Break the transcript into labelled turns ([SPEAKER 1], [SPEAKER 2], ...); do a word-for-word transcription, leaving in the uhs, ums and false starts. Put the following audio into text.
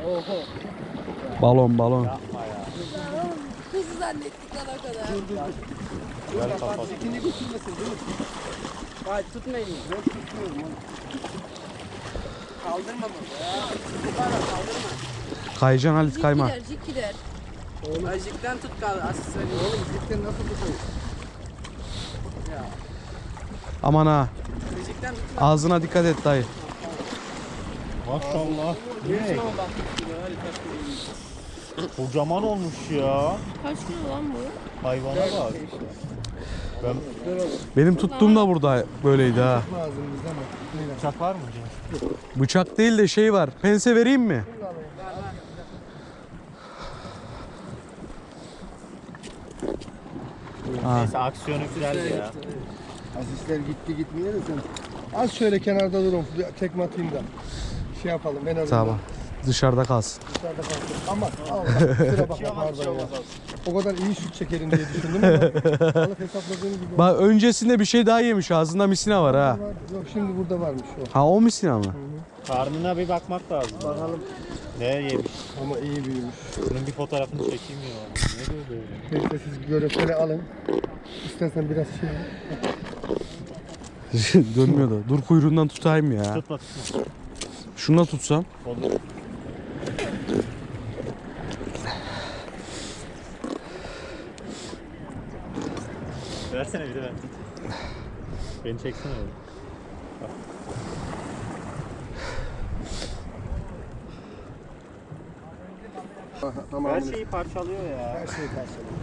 [SPEAKER 1] Oho.
[SPEAKER 2] Balon balon.
[SPEAKER 3] Yapma ya.
[SPEAKER 4] Hızlı zannettik lan o kadar.
[SPEAKER 1] Dur dur dur.
[SPEAKER 3] Ver
[SPEAKER 1] Dur
[SPEAKER 3] kafası.
[SPEAKER 1] bak ikini götürmesin değil mi?
[SPEAKER 4] Hadi tutmayın.
[SPEAKER 1] Ben tutuyorum onu.
[SPEAKER 4] Kaldırma bunu ya. Bana kaldırma.
[SPEAKER 2] Kayacan Halit kayma.
[SPEAKER 4] Jik gider, jik gider.
[SPEAKER 1] Oğlum,
[SPEAKER 4] Ajikten tut kal asıl söyleyeyim.
[SPEAKER 1] oğlum cidden nasıl tutayım?
[SPEAKER 4] Ya.
[SPEAKER 2] Aman ha.
[SPEAKER 4] Ajikten tut.
[SPEAKER 2] Ağzına dikkat et dayı.
[SPEAKER 3] Maşallah.
[SPEAKER 4] Ne?
[SPEAKER 3] Ne?
[SPEAKER 4] Bak, harika.
[SPEAKER 3] Kocaman olmuş ya.
[SPEAKER 4] Kaç kilo lan bu?
[SPEAKER 3] Hayvana bak. Ben
[SPEAKER 1] Dur oğlum.
[SPEAKER 2] Benim tuttuğum da burada böyleydi ha.
[SPEAKER 1] Lazım bize ama.
[SPEAKER 3] bıçak var mı Cem?
[SPEAKER 2] Bıçak değil de şey var. Pense vereyim mi? Ha.
[SPEAKER 3] Neyse aksiyonu güzeldi ya.
[SPEAKER 1] Asistler gitti gitmiyor da sen. Az şöyle kenarda durun. Bir tekme atayım da. Şey yapalım en azından.
[SPEAKER 2] Tamam. Dışarıda kalsın.
[SPEAKER 1] Dışarıda kalsın. Ama Allah kusura bakma pardon ya. O kadar iyi şut çekerim diye düşündüm ama balık hesapladığım gibi.
[SPEAKER 2] Bak öncesinde bir şey daha yemiş. Ağzında misina var ha.
[SPEAKER 1] Yok şimdi burada varmış o.
[SPEAKER 2] Ha o misina mı?
[SPEAKER 3] Karnına bir bakmak lazım.
[SPEAKER 1] Bakalım
[SPEAKER 3] Ne yemiş?
[SPEAKER 1] ama iyi büyümüş.
[SPEAKER 3] Bunun bir fotoğrafını çekeyim ya. Ne böyle?
[SPEAKER 1] Neyse siz göreseli alın. İstersen biraz şey.
[SPEAKER 2] Dönmüyor da. Dur kuyruğundan tutayım ya.
[SPEAKER 3] Tutma tutma.
[SPEAKER 2] Şuna tutsam.
[SPEAKER 3] Olur. Versene bir de ben. Beni çeksene öyle.
[SPEAKER 1] Tamam.
[SPEAKER 3] Her şeyi parçalıyor ya.
[SPEAKER 1] Her şeyi karşılıyor.